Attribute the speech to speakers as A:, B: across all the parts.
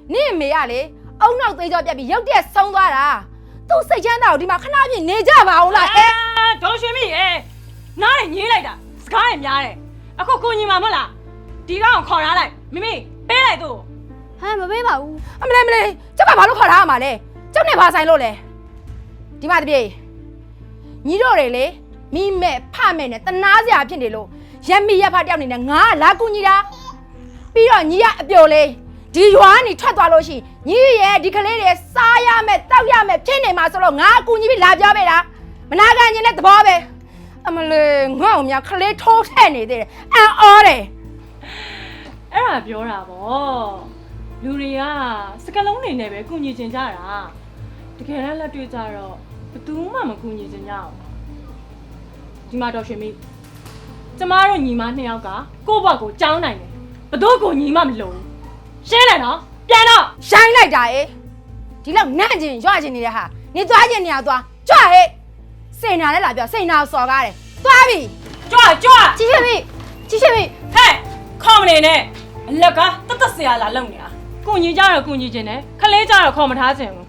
A: နင့်မေကလေအုံနောက်သေးကြောပြက်ပြီးရုတ်တရက်ဆုံးသွားတာသူ့စိတ်ချမ်းသာကိုဒီမှာခဏပြည့်နေကြပါအောင်လား
B: ဒေါ်ရွှေမိနားနဲ့ညင်းလိုက်တာစကားနဲ့များတယ်အခုကိုညီမမဟုတ်လားဒီကောင်ခေါ်ထားလိုက်မိမိပေးလိုက်သူ့
C: ဟမ်မပေးပါဘူး
A: အမလေးကျမဘာလို့ခေါ်ထားရမှာလဲကျုပ်နဲ့ဘာဆိုင်လို့လဲဒီမှာတပြေညီတို့တွေလေမိမဲ့ဖမဲ့နဲ့တနာစရာဖြစ်နေလို့ရက်မိရက်ဖတယောက်နေနဲ့ငါလာကူညီတာပြီးတော့ညီကအပြိုလေးဒီရွာကနေထွက်သွားလို့ရှိညီရဲ့ဒီကလေးတွေစားရမယ်တောက်ရမယ်ဖြစ်နေမှာဆိုတော့ငါအကူညီပြီးလာပြောပေးတာမနာခံခြင်းနဲ့သဘောပဲအမလေးငါ့ကိုများကလေးထိုးထည့်နေသေးတယ်အံ့ဩတယ်
B: အဲ့ဒါပြောတာဗောလူတွေကစကလုံးနေနဲ့ပဲကူညီချင်ကြတာတကယ်လည်းလက်တွေ့ကြတော့ဘယ်သူမှမကူညီချင်ကြအောင်ဒီမှာတော့ရွှေမိကျမတို့ညီမနှစ်ယောက်ကကိုယ့်ဘက်ကိုကြောင်းနိုင်တယ်ဘယ်တော့ကိုညီမမလို့ရှင်းတယ်နော်ပြန်တော့
A: ရှိုင်းလိုက်တာဒီလောက်နန့်ကျင်ရွခြင်းနေတဲ့ဟာနေသွားခြင်းနေရသွားကြွဟဲ့စိန်နာလည်းလာပြောစိန်နာစော်ကားတယ်သွားပြီ
B: ကြွ
C: ကြီးရွှေမိ
B: ဟဲ့ခေါ်မနေနဲ့အလက်ကတတ်ဆရာလာလုံနေတာကိုညီကြတော့ကိုညီချင်းတယ်ခလေးကြတော့ခေါ်မထားချင်ဘူး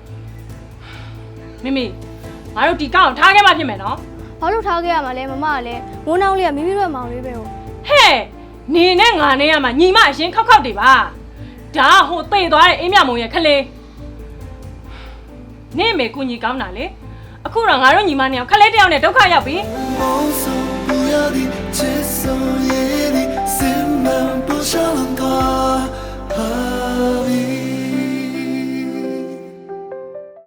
B: မိငါတို့ဒီကောင်ထားခဲ့မှဖြစ်မယ်နော်
C: ဘာလို့ထားခဲ့ရမှာလဲမမကလည်းဝန်းနှောင်းလေးကမိမိတို့မောင်လေးပဲဟို
B: နေနဲ့ငါနဲ့ရမှာညီမအရင်ခောက်တွေပါဒါဟိုတိတ်သွားတဲ့အေးမြမုံရဲ့ခလေးနေမေကိုညီကောင်းတာလေအခုတော့ငါတို့ညီမနှစ်ယောက်ခလေးတယောက်နဲ့ဒုက္ခရောက်ပြီ
D: 不要的接受夜里心门不想冷它